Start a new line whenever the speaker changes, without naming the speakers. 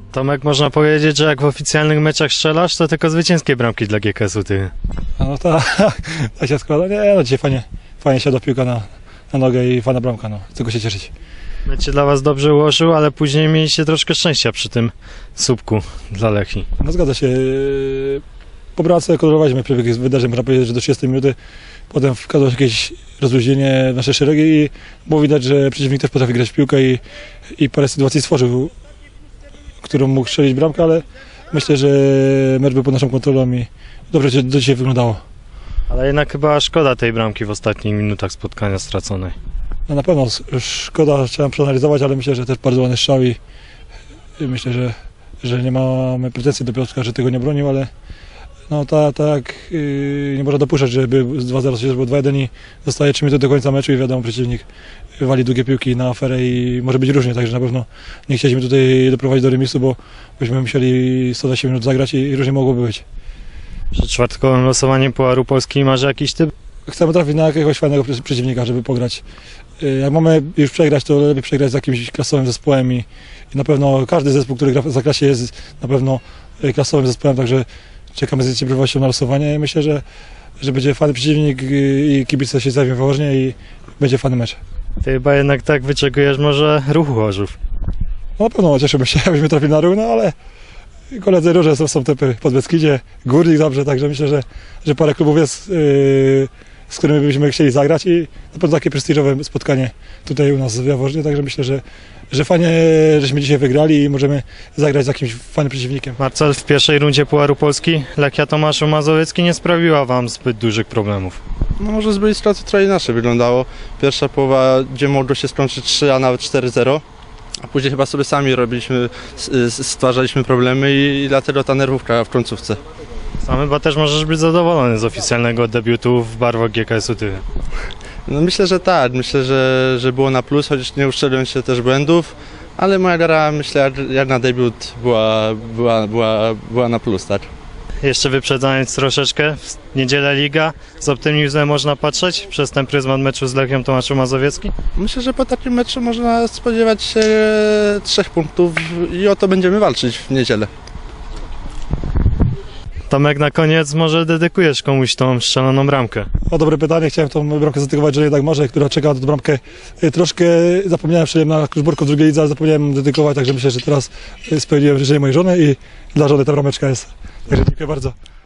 Tomek, można powiedzieć, że jak w oficjalnych meczach strzelasz, to tylko zwycięskie bramki dla GKS-u ty.
No tak się składa. Nie, no dzisiaj fajnie siadła piłka na nogę i fajna bramka, no. Tylko się cieszyć.
Mecz się dla was dobrze ułożył, ale później mieliście troszkę szczęścia przy tym słupku dla Lechii.
No zgadza się. Po bramce kontrolowaliśmy przebieg wydarzeń, można powiedzieć, że do 30 minuty. Potem wkazło się jakieś rozluźnienie w nasze szeregi i było widać, że przeciwnik też potrafi grać w piłkę i parę sytuacji stworzył, którą mógł strzelić bramkę, ale myślę, że mecz był pod naszą kontrolą i dobrze do dzisiaj wyglądało.
Ale jednak chyba szkoda tej bramki w ostatnich minutach spotkania straconej.
No na pewno szkoda, trzeba przeanalizować, ale myślę, że też bardzo ładny strzał i myślę, że nie mamy pretensji do Piotrka, że tego nie bronił, ale no tak nie można dopuszczać, żeby 2-0 się było 2-1 i zostaje 3 minuty do końca meczu i wiadomo, przeciwnik wali długie piłki na aferę i może być różnie, także na pewno nie chcieliśmy tutaj doprowadzić do remisu, bo byśmy musieli 120 minut zagrać i różnie mogłoby być.
Przed czwartkowym losowaniem Pucharu Polski masz jakiś typ?
Chcemy trafić na jakiegoś fajnego przeciwnika, żeby pograć. Jak mamy już przegrać, to lepiej przegrać z jakimś klasowym zespołem i na pewno każdy zespół, który gra w Zaklasie, jest na pewno klasowym zespołem, także czekamy z niecierpliwością na losowanie i myślę, że będzie fajny przeciwnik i kibice się zjawią poważnie i będzie fajny mecz.
Ty chyba jednak tak wyczekujesz może Ruchu Chorzów.
No na pewno cieszymy się, jakbyśmy trafili na Ruch, no ale koledzy róże są typy pod Beskidzie, Górnik dobrze, także myślę, że parę klubów jest, z którymi byśmy chcieli zagrać i na pewno takie prestiżowe spotkanie tutaj u nas w Jaworznie, także myślę, że fajnie, żeśmy dzisiaj wygrali i możemy zagrać z jakimś fajnym przeciwnikiem.
Marcel, w pierwszej rundzie Pucharu Polski Lechia Tomaszów Mazowiecki nie sprawiła wam zbyt dużych problemów.
No może z byli sytuacji trochę inaczej wyglądało. Pierwsza połowa, gdzie mogło się skończyć 3, a nawet 4-0. A później chyba sobie sami stwarzaliśmy problemy i dlatego ta nerwówka w końcówce.
Sam chyba też możesz być zadowolony z oficjalnego debiutu w barwach GKS-u Tychy.
No myślę, że tak. Myślę, że było na plus, chociaż nie uszczeliłem się też błędów. Ale moja gra, myślę, jak na debiut była na plus, tak.
Jeszcze wyprzedzając troszeczkę, w niedzielę Liga, z optymizmem można patrzeć przez ten pryzmat meczu z Lechią Tomaszów Mazowiecki?
Myślę, że po takim meczu można spodziewać się 3 punktów i o to będziemy walczyć w niedzielę.
Tomek, na koniec może dedykujesz komuś tą strzeloną bramkę?
O, dobre pytanie, chciałem tą bramkę zadedykować, że jednak może, która czeka na tę bramkę. Troszkę zapomniałem, strzeliłem na Kluczborku w drugiej lidze, ale zapomniałem dedykować, także myślę, że teraz spełniłem życzenie mojej żony i dla żony ta brameczka jest. Także dziękuję bardzo.